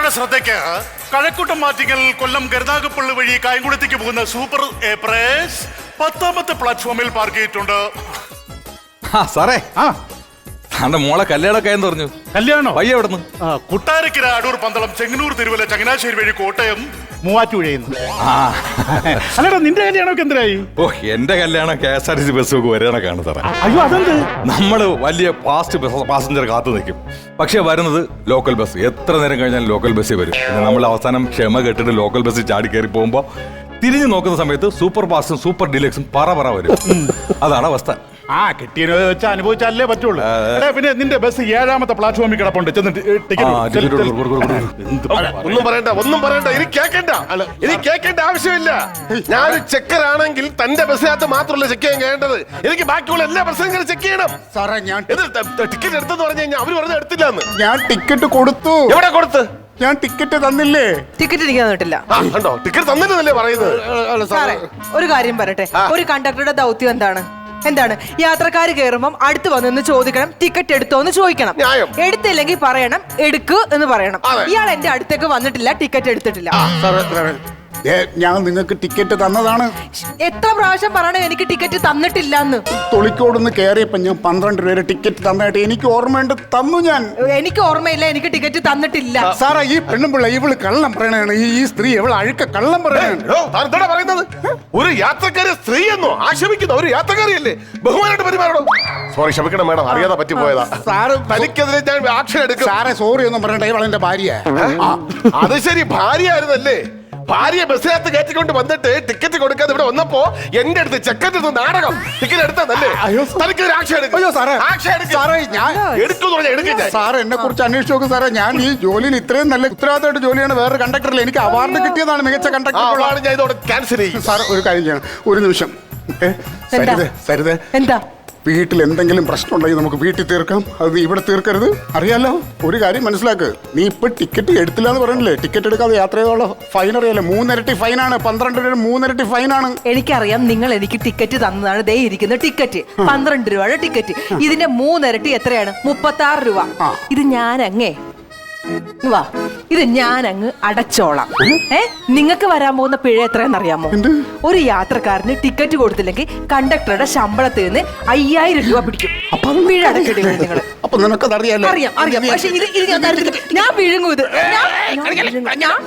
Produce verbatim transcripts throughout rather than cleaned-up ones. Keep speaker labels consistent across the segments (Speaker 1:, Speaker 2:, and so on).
Speaker 1: എല്ലാവരുടെ ശ്രദ്ധയ്ക്ക് കഴക്കൂട്ടം മാറ്റിങ്ങൽ കൊല്ലം കരുനാഗപ്പള്ളി വഴി കായംകുളത്തേക്ക് പോകുന്ന സൂപ്പർ എക്സ്പ്രസ് പത്താമത്തെ പ്ലാറ്റ്ഫോമിൽ പാർക്ക് ചെയ്തിട്ടുണ്ട്.
Speaker 2: ആ സാറേ, ആ താന്റെ മോളെ കല്യാണമൊക്കെ എന്ന് പറഞ്ഞു.
Speaker 1: കല്യാണോ?
Speaker 2: വയ്യ എവിടുന്ന്?
Speaker 1: കുട്ടാരക്കര, അടൂർ, പന്തളം, ചെങ്ങന്നൂർ, തിരുവല്ല, ചങ്ങനാശ്ശേരി വഴി കോട്ടയം, മൂവാറ്റുപുഴയുന്നു. അല്ലടാ, നിന്റെ കല്യാണമൊക്കെ എന്തിനായി?
Speaker 2: ഓ, എന്റെ കല്യാണം K S R T C bus ഒക്കെ വരാനൊക്കെയാണ് സാറേ.
Speaker 1: അയ്യോ, അതെന്ത്?
Speaker 2: നമ്മള് വലിയ ഫാസ്റ്റ് പാസഞ്ചർ കാത്തു നിൽക്കും, പക്ഷെ വരുന്നത് ലോക്കൽ ബസ്. എത്ര നേരം കഴിഞ്ഞാൽ ലോക്കൽ ബസ്സിൽ വരും. പിന്നെ നമ്മൾ അവസാനം ക്ഷമ കെട്ടിട്ട് ലോക്കൽ ബസ്സിൽ ചാടി കയറി പോകുമ്പോ തിരിഞ്ഞു നോക്കുന്ന സമയത്ത് സൂപ്പർ ഫാസ്റ്റും സൂപ്പർ ഡീലക്സും പറ പറ വരും. അതാണ് അവസ്ഥ.
Speaker 1: ആ കിട്ടിയത് വെച്ച് അനുഭവിച്ചാലേ പറ്റുള്ളൂ. പിന്നെ നിന്റെ ബസ് ഏഴാമത്തെ പ്ലാറ്റ്ഫോമിൽ കിടപ്പുണ്ട്.
Speaker 3: ഒന്നും പറയണ്ട, ഒന്നും പറയണ്ട, ഇനി കേൾക്കണ്ട, ഇനി കേൾക്കേണ്ട ആവശ്യമില്ല. ഞാനൊരു ചെക്കറാണെങ്കിൽ തന്റെ ബസ്സിനകത്ത് മാത്രമല്ല ചെക്ക് ചെയ്യാൻ കേണ്ടത്, എനിക്ക് ബാക്കിയുള്ള എല്ലാ ബസ്സും ചെക്ക് ചെയ്യണം.
Speaker 4: സാറേ, ഞാൻ
Speaker 3: ടിക്കറ്റ് എടുത്തെന്ന് പറഞ്ഞു കഴിഞ്ഞാൽ അവര് പറഞ്ഞ എടുത്തില്ലാന്ന്.
Speaker 4: ഞാൻ ടിക്കറ്റ് കൊടുത്തു.
Speaker 3: എവിടെ കൊടുത്ത്?
Speaker 4: ഞാൻ ടിക്കറ്റ് തന്നില്ലേ?
Speaker 5: ടിക്കറ്റ് എനിക്ക് തന്നിട്ടില്ല.
Speaker 3: കണ്ടോ, ടിക്കറ്റ് തന്നില്ലെന്നല്ലേ പറയുന്നത്.
Speaker 5: സാറേ, ഒരു കാര്യം പറയട്ടെ, ഒരു കണ്ടക്ടറുടെ ദൗത്യം എന്താണ്? എന്താണ്? യാത്രക്കാർ കയറുമ്പം അടുത്ത് വന്ന് ചോദിക്കണം, ടിക്കറ്റ് എടുത്തോ എന്ന് ചോദിക്കണം. എടുത്തില്ലെങ്കിൽ പറയണം എടുക്കൂ എന്ന് പറയണം. ഇയാൾ എന്റെ അടുത്തേക്ക് വന്നിട്ടില്ല, ടിക്കറ്റ് എടുത്തിട്ടില്ല.
Speaker 4: ഞാൻ നിങ്ങൾക്ക് ടിക്കറ്റ് തന്നതാണ്.
Speaker 5: എത്ര പ്രാവശ്യം പറയണേ എനിക്ക് ടിക്കറ്റ് തന്നിട്ടില്ല എന്ന്?
Speaker 4: തൊളിക്കോടുന്ന് കയറിയപ്പോ ഞാൻ പന്ത്രണ്ട് രൂപ ടിക്കറ്റ് തന്നായിട്ട് എനിക്ക് ഓർമ്മയുണ്ട്, തന്നു ഞാൻ.
Speaker 5: എനിക്ക് ഓർമ്മയില്ല, എനിക്ക് ടിക്കറ്റ് തന്നിട്ടില്ല.
Speaker 4: സാറേ, ഈ പെണ്ണുമ്പിള്ള ഇവള് കള്ളം പറയണാണ്. ഈ സ്ത്രീ ഇവള് അഴുക്ക കള്ളം പറയണ
Speaker 3: പറയുന്നത്. ഒരു യാത്രക്കാരി സ്ത്രീ എന്നോ ആക്ഷേപിക്കുന്ന ഒരു യാത്രക്കാരിയല്ലേ? ബഹുമാനായിട്ട് പെരുമാറണോ? സോറി, ക്ഷമിക്കണം മേഡം, അറിയാതെ പറ്റിപ്പോയതാ. സാറ് തനിക്കെതിരെ ഞാൻ ആക്ഷൻ എടുക്കും.
Speaker 4: സാറേ, സോറി ഒന്നും പറയണ്ട, ഇവളെന്റെ ഭാര്യ.
Speaker 3: അത് ശരി, ഭാര്യ ആയിരുന്നല്ലേ? ഭാര്യ ബസ്സിനകത്ത് കയറ്റിക്കൊണ്ട് വന്നിട്ട് ടിക്കറ്റ് കൊടുക്കാതെ ഇവിടെ വന്നപ്പോ എന്റെ അടുത്ത് ചെക്കറ്റ് എടുത്ത് നാടകം ടിക്കറ്റ് എടുത്തതല്ലേ? തനിക്കൊരു ആക്ഷൻ എടുക്കും.
Speaker 4: സാറ് എന്നെ കുറിച്ച് അന്വേഷിച്ച് നോക്കും സാറേ. ഞാൻ ഈ ജോലിയിൽ ഇത്രയും നല്ല ഉത്തരവാദിത്തമായിട്ട് ജോലിയാണ് വേറൊരു കണ്ടക്ടറിൽ എനിക്ക് അവാർഡ് കിട്ടിയതാണ്, മികച്ച കണ്ടക്ടർ.
Speaker 3: ഞാൻ ഇതോടെ ക്യാൻസൽ ചെയ്യും.
Speaker 4: സാർ, ഒരു കാര്യം ചെയ്യണം, ഒരു നിമിഷം. സരിത,
Speaker 5: എന്താ?
Speaker 4: വീട്ടിൽ എന്തെങ്കിലും പ്രശ്നം ഉണ്ടെങ്കിൽ നമുക്ക് വീട്ടിൽ തീർക്കാം, അത് ഇവിടെ തീർക്കരുത്. അറിയാലോ, ഒരു കാര്യം മനസ്സിലാക്ക്. നീ ഇപ്പൊ ടിക്കറ്റ് എടുത്തില്ല എന്ന് പറഞ്ഞില്ലേ? ടിക്കറ്റ് എടുക്കാതെ യാത്ര ചെയ്തോളൂ, ഫൈൻ അറിയാലോ. മൂന്നിരട്ടി ഫൈനാണ്, പന്ത്രണ്ട് രൂപ മൂന്നിരട്ടി ഫൈനാണ്.
Speaker 5: എനിക്കറിയാം, നിങ്ങൾ എനിക്ക് ടിക്കറ്റ് തന്നതാണ്. ദേ ഇരിക്കുന്ന ടിക്കറ്റ് പന്ത്രണ്ട് രൂപയുടെ ടിക്കറ്റ്. ഇതിന്റെ മൂന്നിരട്ടി എത്രയാണ്? മുപ്പത്തി ആറ് രൂപ. ഇത് ഞാൻ അങ്ങേ വാ, ഇത് ഞാൻ അങ്ങ് അടച്ചോളാം. ഏ നിങ്ങൾക്ക് വരാൻ പോകുന്ന പിഴ എത്രയെന്ന് അറിയാമോ? ഒരു യാത്രക്കാരന് ടിക്കറ്റ് കൊടുത്തില്ലെങ്കിൽ കണ്ടക്ടറുടെ ശമ്പളത്തിൽ നിന്ന് അയ്യായിരം രൂപ പിടിക്കും. പിഴ അടക്കേണ്ടി വരും നിങ്ങൾ. അറിയാം അറിയാം പക്ഷെ ഇത് ഇത് ഞാൻ തരത്തില്ല. ഞാൻ വിഴുങ്ങും ഇത്. ഞാൻ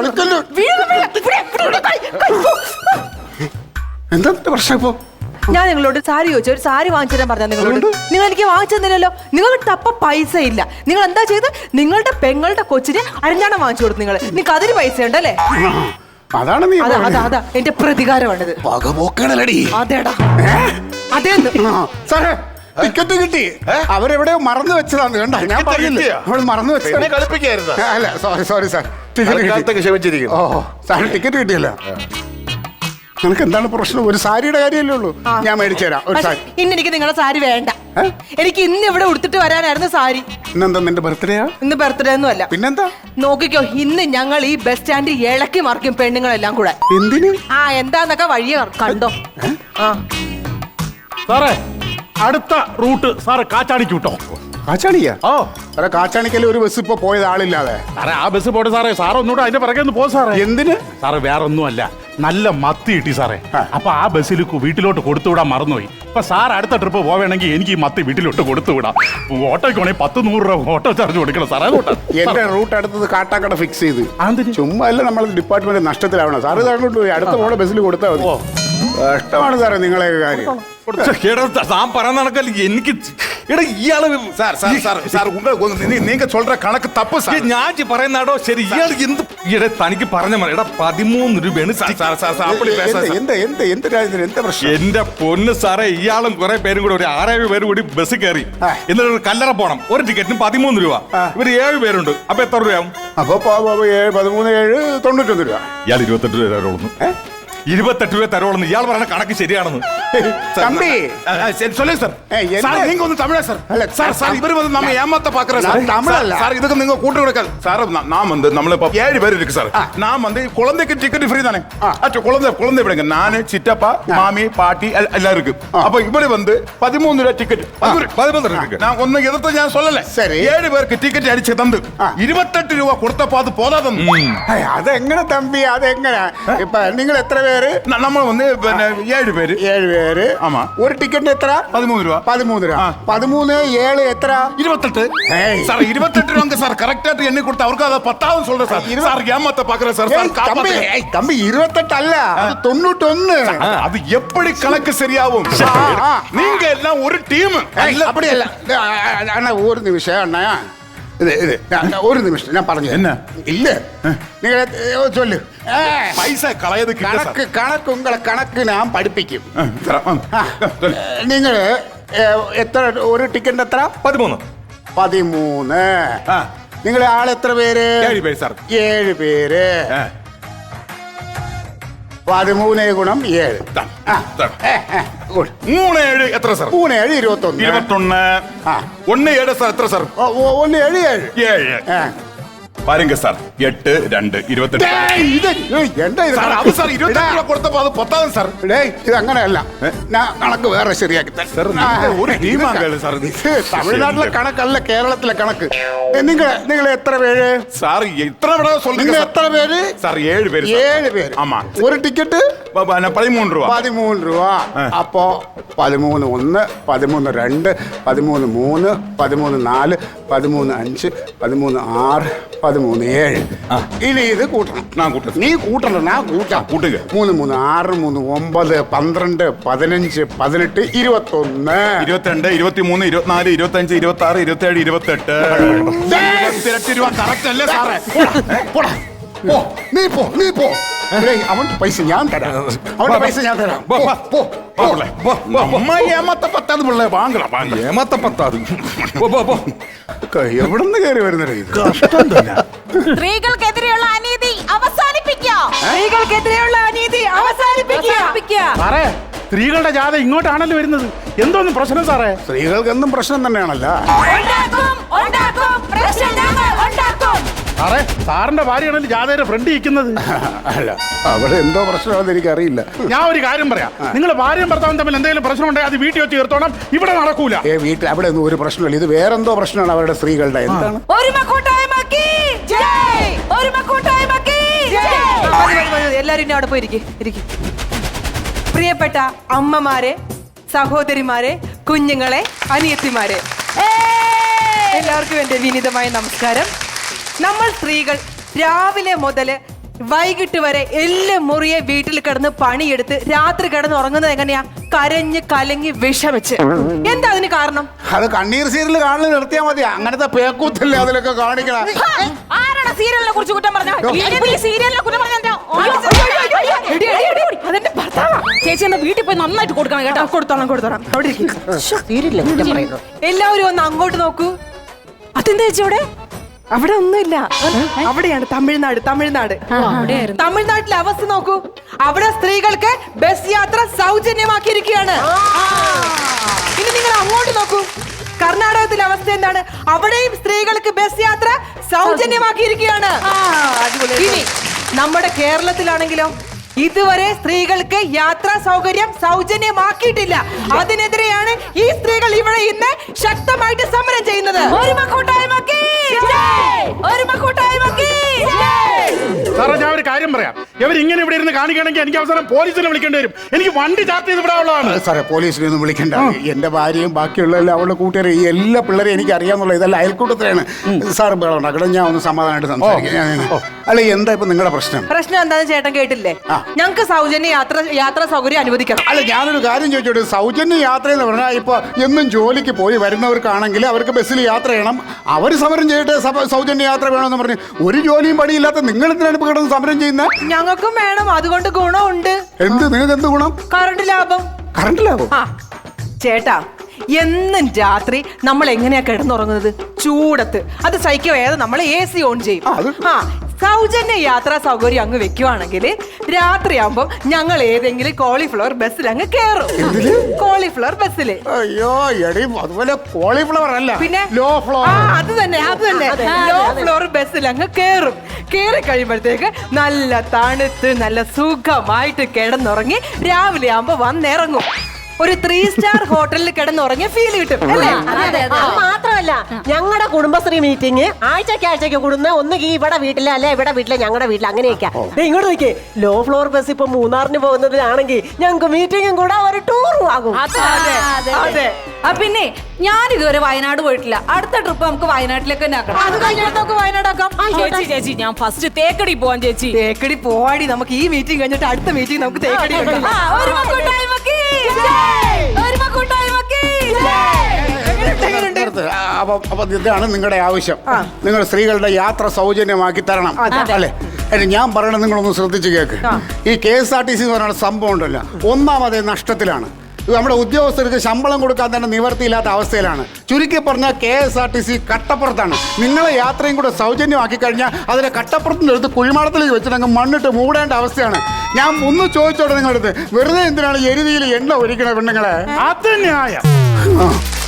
Speaker 4: എന്താ പ്രശ്നം ഇപ്പൊ?
Speaker 5: ഞാൻ നിങ്ങളോട് സാരി ചോദിച്ചു, ഒരു സാരി വാങ്ങിച്ചു തരാൻ പറഞ്ഞാൽ നിങ്ങളോട് നിങ്ങൾ എനിക്ക് വാങ്ങിച്ചു തന്നില്ലല്ലോ. നിങ്ങൾക്ക് തപ്പ പൈസ ഇല്ല. നിങ്ങൾ എന്താ ചെയ്ത് നിങ്ങളുടെ പെങ്ങളുടെ കൊച്ചിന് അരഞ്ഞാണം വാങ്ങിച്ചു കൊടുത്തു. നിങ്ങൾ നിങ്ങൾക്ക് അതിന് പൈസ ഉണ്ടല്ലേ?
Speaker 4: അതാണ് നീ
Speaker 5: അതാ അതാ എന്റെ പ്രതികാരമാണിത്. അതേടാ അതേന്ന്.
Speaker 4: സാറേ, ടിക്കറ്റ് കിട്ടി. അവരെവിടെയോ മറന്നു വെച്ചതാണ്. കണ്ട, ഞാൻ പറഞ്ഞില്ലേ അവൾ മറന്നു വെച്ചത്. അല്ല, സോറി സോറി സാർ, ടിക്കറ്റ് ഓ സാർ ടിക്കറ്റ് കിട്ടിയല്ലോ. നിനക്ക് എന്താണ് പ്രശ്നം? ഒരു സാരിയുടെ കാര്യമല്ലേ ഉള്ളൂ, ഞാൻ മേടിച്ചു തരാം ഒരു സാരി.
Speaker 5: ഇന്ന് എനിക്ക് നിങ്ങളുടെ സാരി വേണ്ട. എനിക്ക് ഇന്ന് ഇവിടെ ഉടുത്തിട്ട് വരാനായിരുന്നു സാരി.
Speaker 4: ഇന്നെന്താ നിന്റെ ബർത്ത്ഡേയാ?
Speaker 5: ഇന്ന് ബർത്ത്ഡേ ഒന്നും അല്ല.
Speaker 4: പിന്നെന്താ?
Speaker 5: നോക്കിക്കോ, ഇന്ന് ഞങ്ങൾ ഈ ബസ് സ്റ്റാൻഡിൽ ഇളക്കി മറിക്കും പെണ്ണുങ്ങളെല്ലാം കൂടെ.
Speaker 4: എന്തിന്?
Speaker 5: ആ എന്താന്നൊക്കെ വഴിയെ കണ്ടോ. ആ
Speaker 1: സാറേ, അടുത്ത റൂട്ട് സാറ് കാച്ചാണിക്ക് വിട്ടോ.
Speaker 4: കാച്ചാണിക്കാ? ഓ സാറേ, കാച്ചാണിക്കല്ലേ ഒരു ബസ് ഇപ്പൊ പോയത് ആളില്ലാതെ.
Speaker 1: സാറേ, ആ ബസ് പോട്ടെ സാറേ. സാറ് ഒന്നുകൂടെ അതിന്റെ പിറകെ ഒന്ന് പോ സാറേ.
Speaker 4: എന്തിന്?
Speaker 1: സാറ് വേറെ ഒന്നുമല്ല, നല്ല മത്തി കിട്ടി സാറേ. അപ്പൊ ആ ബസ്സിൽ വീട്ടിലോട്ട് കൊടുത്തുവിടാൻ മറന്നുപോയി. ഇപ്പൊ സാർ അടുത്ത ട്രിപ്പ് പോവേണമെങ്കിൽ എനിക്ക് ഈ മത്തി വീട്ടിലോട്ട് കൊടുത്തുവിടാം. ഓട്ടോയ്ക്കാണെങ്കിൽ പത്ത് നൂറ് രൂപ ഓട്ടോ ചാർജ് കൊടുക്കണം സാറേ.
Speaker 4: എന്റെ റൂട്ട് അടുത്തത് കാട്ടാക്കട ഫിക്സ് ചെയ്ത്. ചുമ്മാ അല്ല നമ്മൾ ഡിപ്പാർട്ട്മെന്റ് നഷ്ടത്തിലാവണം. സാറ് താങ്കളോട്ട് പോയി അടുത്ത പോണ ബസ്സിൽ കൊടുത്താൽ മതി. കഷ്ടമാണ് സാറേ നിങ്ങളെ കാര്യം.
Speaker 2: താൻ പറയാൻ നടക്കല്ല എനിക്ക്. എടാ ഇയാള് ഞാൻ പറയുന്നാടോ ശരി. ഇയാൾ എന്ത് ഇട തനിക്ക് പറഞ്ഞ എടാ പതിമൂന്ന് രൂപയാണ്. എന്റെ പൊന്ന് സാറേ, ഇയാളും കുറെ പേരും കൂടെ ഒരു ആറേഴ് പേര് കൂടി ബസ്സിൽ കയറി എന്നിട്ട് കല്ലറ പോണം. ഒരു ടിക്കറ്റിന് പതിമൂന്ന് രൂപ. ഇവര് ഏഴ് പേരുണ്ട്. അപ്പൊ എത്ര രൂപയാവും?
Speaker 4: അപ്പൊ പതിമൂന്ന് ഏഴ് തൊണ്ണൂറ്റൊന്ന് രൂപ.
Speaker 2: ഇയാൾ ഇരുപത്തെട്ട് രൂപ. ഇരുപത്തെട്ട് രൂപ തരുള്ളൂ ഇയാൾ പറഞ്ഞ കണക്ക് ശരിയാണെന്ന്.
Speaker 4: தம்பி
Speaker 3: சொல்லுங்க சார்
Speaker 4: ஏய், என்ன?
Speaker 3: சார் நீங்க வந்து தமிழா சார்
Speaker 4: அல்ல,
Speaker 3: சார் சார் இவர் வந்து நம்ம ஏமாத்த பாக்குறேன் சார்
Speaker 4: நான் தமிழ் அல்ல.
Speaker 3: சார் இதுக்கு நீங்க கூட்டு கொடுக்காது சார் நான் வந்து நம்மள இப்ப ஏழு பேர் இருக்கு சார் நான் வந்து குழந்தைக்கு டிக்கெட் ஃப்ரீ தானே அச்சோ குழந்தை குழந்தை விடுங்க நானு சித்தப்பா மாமி பாட்டி எல்- எல்லாம் இருக்கு அப்ப இவரு வந்து பதிமூணு രൂപ ടിക്കറ്റ്
Speaker 2: പതിമൂന്ന് രൂപ
Speaker 3: நான் ஒன்னும் எதிர்த்து ഞാൻ சொல்லல
Speaker 4: சரி.
Speaker 3: ஏழு பேருக்கு டிக்கெட் அடிச்சு தந்து ഇരുപത്തെട്ട് രൂപ കൊടുത്തപ്പോ അത് പോതാതെന്ന്
Speaker 4: ஏய், அது எங்கன தம்பி அது எங்கன இப்ப നിങ്ങൾ എത്ര പേര്
Speaker 3: ന- നമ്മൾ வந்து പിന്നെ ഏഴ് പേര്
Speaker 4: ഏഴ് പേര്
Speaker 3: ஆமா
Speaker 4: ഒരു ടിക്കറ്റ് എത്ര
Speaker 3: പതിമൂന്ന് രൂപ
Speaker 4: പതിമൂന്ന് രൂപ
Speaker 3: ആ.
Speaker 4: പതിമൂന്ന് ഏഴ് എത്ര
Speaker 3: இருபத்தெட்டு
Speaker 4: ஏய்.
Speaker 3: சார் இருபத்தெட்டு ரூபாங்க சார் கரெக்டா எண்ணி கொடுத்து அவருக்கு அதை பத்தாவது சொல்றேன் சார்
Speaker 4: இருபது-
Speaker 3: சார் ஏமாத்த பாக்குறேன் சார்
Speaker 4: ஏய்,
Speaker 3: சார்
Speaker 4: தம்பி
Speaker 3: காப்பாத்துங்க.
Speaker 4: ஏய், தம்பி இருபத்தெட்டு அல்ல அது தொண்ணூத்தொன்னு
Speaker 3: அது எப்படி கணக்கு சரியாகும்
Speaker 4: ஆ, ஆ.
Speaker 3: நீங்க எல்லாம் ஒரு டீம்
Speaker 4: ഏയ്, அப்படிയല്ല ഇത്, ആ, ആ, അണ്ണാ ഒരു നിമിഷം അണ്ണാ ഇത് ഇത് ഞാൻ- ഞാൻ ഒരു നിമിഷം ഞാൻ പറഞ്ഞു
Speaker 3: என்ன?
Speaker 4: ഇല്ല നിങ്ങൾ ചൊല്ലു ഏ,
Speaker 3: പൈസ കളയത് കിട്ടും സാർ.
Speaker 4: കണക്ക് കണക്ക് ഉങ്ങളെ കണക്ക് ഞാൻ പഠിപ്പിക്കും
Speaker 3: ആ, തരാം. ആ, ചൊല്ല്.
Speaker 4: നിങ്ങൾ എത്ര ഒരു ടിക്കറ്റ് എത്ര
Speaker 2: പതിമൂന്ന്.
Speaker 4: പതിമൂന്ന്
Speaker 3: ആ.
Speaker 4: നിങ്ങളെ ആളെത്ര പേര്
Speaker 3: ഏഴ് പേര് സാർ.
Speaker 4: ഏഴ് പേര്
Speaker 3: ആ,
Speaker 4: പതിമൂന്ന് ഗുണം ഏഴ്
Speaker 3: ദാ,
Speaker 4: ആ.
Speaker 3: ദാ.
Speaker 4: ഏ, ഏ, good.
Speaker 3: മൂന്ന് ഏഴ് എത്ര സാർ
Speaker 4: മൂന്ന് ഏഴ് ഇരുപത്തൊന്ന്
Speaker 3: ഇരുപത്തൊന്ന്
Speaker 4: ആ.
Speaker 3: ഒന്ന് ഏഴ് സാർ എത്ര സാർ
Speaker 4: ഓ, ഓ, ഒന്ന് ഏഴ് ഏഴ്
Speaker 3: ഏഴ്
Speaker 4: ഏ.
Speaker 3: പാരുങ്ക സാർ എട്ട് രണ്ട് ഇരുപത്തെട്ട്
Speaker 4: ഡേയ്, ഇത് ഏയ്, എന്താ ഇത്
Speaker 3: സാർ അത് സാർ ഇരുപത്തെട്ട് രൂപ കൊടുത്തപ്പോ അത് പത്താവും സാർ
Speaker 4: ഡേയ്, ഇത് അങ്ങനെയല്ല ഞാൻ കണക്ക് വേറെ ശരിയാക്കി തരാം.
Speaker 3: സാർ, നിങ്ങൾ
Speaker 4: ആ,
Speaker 3: ഒരു
Speaker 4: ഇത്
Speaker 3: ടീമാകല്ലേ സാർ ഇത്?
Speaker 4: ഇത് തമിഴ്നാട്ടിലെ കണക്കല്ല കേരളത്തിലെ കണക്ക് നിങ്ങൾ നിങ്ങൾ എത്ര പേര്
Speaker 3: സാർ ഇത്ര വിട
Speaker 4: നിങ്ങൾ
Speaker 3: சொல்லுங்க சார்.
Speaker 4: എത്ര പേര്
Speaker 3: സാർ ഏഴ് പേര് സാർ.
Speaker 4: ഏഴ് പേര്
Speaker 3: ആമാ.
Speaker 4: ഒരു ടിക്കറ്റ്
Speaker 3: പ- പ- പതിമൂന്ന് രൂപ
Speaker 4: പതിമൂന്ന് രൂപ അപ്പോ പതിമൂന്ന് ഒന്ന് പതിമൂന്ന് രണ്ട് പതിമൂന്ന് മൂന്ന് പതിമൂന്ന് നാല് പതിമൂന്ന് അഞ്ച് പതിമൂന്ന് ആറ് പതിമൂന്ന് ഏഴ് ഇനി ഇത് കൂട്ടണം
Speaker 3: ഞാൻ കൂട്ടും.
Speaker 4: നീ കൂട്ടണ്ട ഞാൻ കൂട്ടാം
Speaker 3: കൂട്ടുക.
Speaker 4: മൂന്ന് മൂന്ന് ആറ് മൂന്ന് ഒമ്പത് പന്ത്രണ്ട് പതിനഞ്ച് പതിനെട്ട് ഇരുപത്തൊന്ന്
Speaker 3: ഇരുപത്തിരണ്ട് ഇരുപത്തിമൂന്ന് ഇരുപത്തിനാല് ഇരുപത്തഞ്ച് ഇരുപത്തി ആറ് ഇരുപത്തിയേഴ് ഇരുപത്തെട്ട് ഇരുപത്തിരട്ട് രൂപ കറക്റ്റ് അല്ലേ സാറേ
Speaker 4: പോടാ, പോടാ. പോ നീ പോ നീ പോ ഏയ്, അവന്റെ പൈസ ഞാൻ തരാം അവന്റെ പൈസ ഞാൻ തരാം പോ, പോ, പോ.
Speaker 3: അമ്മ ഏമാത്ത പത്താത് പിള്ളേ വാങ്ങല വാങ്ങല
Speaker 2: ഏമാത്ത പത്താത്. പോ, പോ, പോ.
Speaker 4: എവിടെ നിന്ന് കയറി വരുന്നത് ഇത്
Speaker 6: സ്ത്രീകൾക്കെതിരെയുള്ള അനീതി അവസാനിപ്പിക്കാം.
Speaker 5: സ്ത്രീകൾക്കെതിരെയുള്ള അനീതി അവസാനിപ്പിക്കുക.
Speaker 1: സാറേ സ്ത്രീകളുടെ ജാഥ ഇങ്ങോട്ടാണല്ലോ വരുന്നത്. എന്തോന്നും പ്രശ്നം സാറേ?
Speaker 4: സ്ത്രീകൾക്കെന്നും പ്രശ്നം തന്നെയാണല്ലോ
Speaker 6: ഉണ്ടാക്കും, ഉണ്ടാക്കും, പ്രശ്നം ഞങ്ങൾ ഉണ്ടാക്കും.
Speaker 1: സാറേ സാറിന്റെ ഭാര്യയാണല്ലോ ജാഥയുടെ ഫ്രണ്ട് ഇരിക്കുന്നത്.
Speaker 4: അല്ല അവിടെ എന്തോ പ്രശ്നമാണെന്ന് എനിക്കറിയില്ല
Speaker 1: ഞാൻ ഒരു കാര്യം പറയാം, നിങ്ങൾ ഭാര്യയും ഭർത്താവും തമ്മിൽ എന്തെങ്കിലും പ്രശ്നം ഉണ്ടെങ്കിൽ അത് വീട്ടിൽ വെച്ച് തീർത്തോണം, ഇവിടെ നടക്കൂല.
Speaker 4: ഏ വീട്ടിൽ അവിടെ ഒന്നും ഒരു പ്രശ്നമില്ല ഇത് വേറെന്തോ പ്രശ്നമാണ് അവരുടെ സ്ത്രീകളുടെ എന്താണ്
Speaker 6: ഒരുമ കൂട്ടായ്മക്ക് ജയ്. ഒരുമ കൂട്ടായ്മക്ക് ജയ്.
Speaker 5: മതി, മതി, മതി. എല്ലാരും ഇനി അവിടെ പോയിരിക്കും ഇരിക്കും. പ്രിയപ്പെട്ട അമ്മമാരെ, സഹോദരിമാരെ, കുഞ്ഞുങ്ങളെ, അനിയത്തിമാരെ, എല്ലാവർക്കും എന്റെ വിനീതമായ നമസ്കാരം. നമ്മൾ സ്ത്രീകൾ രാവിലെ മുതൽ വൈകിട്ട് വരെ എല്ലാം മുറിയെ വീട്ടിൽ കിടന്ന് പണിയെടുത്ത് രാത്രി കിടന്ന് ഉറങ്ങുന്നത് എങ്ങനെയാ? കരഞ്ഞ് കലങ്ങി വിഷമിച്ച്. എന്താ അതിന് കാരണം?
Speaker 4: അത് കണ്ണീർ സീരിയൽ കാണൽ നിർത്തിയാൽ മതി അങ്ങനത്തെ പേക്കൂത്തല്ലേ അതിലൊക്കെ കാണിക്കണം
Speaker 6: ആരാണ് സീരിയലിനെ കുറിച്ച് കുറ്റം പറഞ്ഞത്? ഈ സീരിയലിനെ കുറ്റം പറഞ്ഞോ?
Speaker 5: അതെന്റെ ഭർത്താവാ.
Speaker 6: ചേച്ചി എന്നാ വീട്ടിൽ പോയി നന്നായിട്ട് കൊടുക്കണം കേട്ടോ.
Speaker 5: കൊടുത്തോളാം കൊടുത്തോളാം അവിടെ ഇരിക്കും. എല്ലാവരും ഒന്ന് അങ്ങോട്ട് നോക്കൂ. അതെന്താ ചേച്ചി അവിടെ? അവിടെ ഒന്നുമില്ല. അവിടെയാണ് തമിഴ്നാട്. തമിഴ്നാട് തമിഴ്നാട്ടിലെ അവസ്ഥ നോക്കൂ. അവിടെ സ്ത്രീകൾക്ക് ബസ് യാത്ര സൗജന്യമാക്കിയിരിക്കുകയാണ്. ഇനി നിങ്ങൾ അങ്ങോട്ട് നോക്കൂ. കർണാടകത്തിലെ അവസ്ഥ എന്താണ്? അവിടെയും സ്ത്രീകൾക്ക് ബസ് യാത്ര സൗജന്യമാക്കിയിരിക്കുകയാണ്. ഇനി നമ്മുടെ കേരളത്തിലാണെങ്കിലോ ഇതുവരെ സ്ത്രീകൾക്ക് യാത്രാ സൗകര്യം സൗജന്യമാക്കിയിട്ടില്ല. അതിനെതിരെയാണ് ഈ സ്ത്രീകൾ ഇവിടെ ഇന്ന് ശക്തമായിട്ട് സമരം ചെയ്യുന്നത്.
Speaker 6: ഒരുമ കൂട്ടായ്മക്ക് ജയ്. ഒരുമ കൂട്ടായ്മക്ക് ജയ്.
Speaker 1: സാറേ ഞാൻ ഒരു കാര്യം പറയാം, ഇവർ ഇങ്ങനെ ഇവിടെ ഇരുന്ന് കാണിക്കുകയാണെങ്കിൽ എനിക്ക് അവസാനം പോലീസിനെ വിളിക്കേണ്ടി വരും. എനിക്ക് വണ്ടി ചാർട്ട് ചെയ്ത് ഇവിടെ ഉള്ളതാണ്.
Speaker 4: സാറേ പോലീസിനെ ഒന്നും വിളിക്കണ്ട എന്റെ ഭാര്യയും ബാക്കിയുള്ള എല്ലാ അവളുടെ കൂട്ടുകാരെ ഈ എല്ലാ പിള്ളേരെയും എനിക്ക് അറിയാന്നുള്ള ഇതെല്ലാം അയൽക്കൂട്ടത്തിലാണ് സാർ ബഹളം ഉണ്ടാക്കണം ഞാൻ ഒന്ന് സമാധാനമായിട്ട് സംസാരിക്കാം ഞാൻ- അല്ല എന്താ ഇപ്പൊ നിങ്ങളുടെ പ്രശ്നം
Speaker 5: പ്രശ്നം എന്താണെന്ന് ചേട്ടൻ കേട്ടില്ലേ? ഞങ്ങൾക്ക് സൗജന്യ യാത്ര യാത്രാ സൗകര്യം അനുവദിക്കണം.
Speaker 4: അല്ല ഞാനൊരു കാര്യം ചോദിച്ചോട്ടെ സൗജന്യ യാത്ര എന്ന് പറഞ്ഞാൽ ഇപ്പൊ എന്നും ജോലിക്ക് പോയി വരുന്നവർക്കാണെങ്കിൽ അവർക്ക് ബസ്സിൽ യാത്ര ചെയ്യണം അവർ സമരം ചെയ്തിട്ട് സഭ- സൗജന്യ യാത്ര വേണമെന്ന് പറഞ്ഞ് ഒരു ജോലിയും പണിയില്ലാത്ത നിങ്ങൾ എന്തിനാണ് ഇപ്പൊ കിടന്ന് സമരം ചെയ്യുന്നത്
Speaker 5: ഞങ്ങൾക്കും വേണം. അതുകൊണ്ട് ഗുണമുണ്ട്.
Speaker 4: എന്ത് നിങ്ങൾക്ക് എന്ത് ഗുണം
Speaker 5: കറണ്ട് ലാഭം.
Speaker 4: കറണ്ടിലാവോ
Speaker 5: ആ ചേട്ടാ എന്നും രാത്രി നമ്മൾ എങ്ങനെയാ കിടന്നുറങ്ങുന്നത്? ചൂടത്ത്. അത് സഹിക്കവേദ നമ്മൾ എ സി ഓൺ ചെയ്യും.
Speaker 4: ആ, അത്
Speaker 5: ആ സൗജന്യ യാത്രാ സൗകര്യം അങ്ങ് വെക്കുവാണെങ്കിൽ രാത്രിയാകുമ്പോ ഞങ്ങൾ ഏതെങ്കിലും കോളിഫ്ലവർ ബസ്സിൽ അങ്ങ് കേറും. കോളിഫ്ലവർ ബസ്സിൽ.
Speaker 4: അയ്യോ എടി അതുപോലെ കോളിഫ്ലവർ അല്ല
Speaker 5: പിന്നെ
Speaker 4: ലോ ഫ്ലോർ.
Speaker 5: ആ അത് തന്നെ അത് തന്നെ ലോ ഫ്ലോർ ബസ്സിൽ അങ്ങ് കേറും. കേറി കഴിയുമ്പോഴത്തേക്ക് നല്ല തണുത്ത് നല്ല സുഖമായിട്ട് കിടന്നുറങ്ങി രാവിലെ ആകുമ്പോ വന്നിറങ്ങും. ഒരു ത്രീ സ്റ്റാർ ഹോട്ടലിൽ കിടന്നുറങ്ങിയ ഫീൽ കിട്ടും അല്ലേ?
Speaker 7: അത് മാത്രമല്ല ഞങ്ങളുടെ കുടുംബശ്രീ മീറ്റിംഗ് ആഴ്ചക്ക് ആഴ്ചക്ക് കൂടുന്ന ഒന്നുകിൽ ഇവിടെ വീട്ടിലെ അല്ലെ ഇവിടെ വീട്ടിലെ ഞങ്ങളുടെ വീട്ടിൽ അങ്ങനെയൊക്കെ. ഇങ്ങോട്ട് നോക്കിയേ, ലോ ഫ്ലോർ ബസ് ഇപ്പൊ മൂന്നാറിന് പോകുന്നതിനാണെങ്കിൽ ഞങ്ങൾക്ക് മീറ്റിംഗും കൂടെ ഒരു ടൂറും ആകും.
Speaker 5: അതെ.
Speaker 6: ആ പിന്നെ ഞാൻ ഇതുവരെ വയനാട് പോയിട്ടില്ല. അടുത്ത ട്രിപ്പ് നമുക്ക് വയനാട്ടിലേക്ക് തന്നെ ആക്കണം.
Speaker 5: അത് കഴിഞ്ഞിട്ട് നമുക്ക് വയനാടാക്കാം.
Speaker 6: ചേച്ചി ചേച്ചി ഞാൻ ഫസ്റ്റ് തേക്കടി പോവാൻ ചേച്ചി.
Speaker 5: തേക്കടി പോവാടി. നമുക്ക് ഈ മീറ്റിംഗ് കഴിഞ്ഞിട്ട് അടുത്ത മീറ്റിംഗ് നമുക്ക് തേക്കടി വെക്കാം.
Speaker 6: ആ, ഒരു മക്കൂട്ടായ്മക്ക്. ഒരു മക്കൂട്ടായ്മക്ക്.
Speaker 4: അപ്പൊ അപ്പൊ ഇതാണ് നിങ്ങളുടെ ആവശ്യം. നിങ്ങൾ സ്ത്രീകളുടെ യാത്ര സൗജന്യമാക്കി തരണം അല്ലേ? അല്ല ഞാൻ പറയണത് നിങ്ങളൊന്ന് ശ്രദ്ധിച്ച് കേൾക്ക്. ഈ K S R T C എന്ന് പറയുന്ന സംഭവം ഉണ്ടല്ലോ, ഒന്നാമതേ നഷ്ടത്തിലാണ്. നമ്മുടെ ഉദ്യോഗസ്ഥർക്ക് ശമ്പളം കൊടുക്കാൻ തന്നെ നിവർത്തിയില്ലാത്ത അവസ്ഥയിലാണ്. ചുരുക്കി പറഞ്ഞാൽ K S R T C കട്ടപ്പുറത്താണ്. നിങ്ങളെ യാത്രയും കൂടെ സൗജന്യമാക്കി കഴിഞ്ഞാൽ അതിനെ കട്ടപ്പുറത്തിൻ്റെ അടുത്ത് കുഴിമാടത്തിലേക്ക് വെച്ചിട്ട് മണ്ണിട്ട് മൂടേണ്ട അവസ്ഥയാണ്. ഞാൻ ഒന്ന് ചോദിച്ചോട്ടെ നിങ്ങളുടെ അടുത്ത്, വെറുതെ എന്തിനാണ് എരുതിയിൽ എണ്ണ ഒഴിക്കണ പെണ്ണുങ്ങളെ?
Speaker 1: അത് ന്യായം.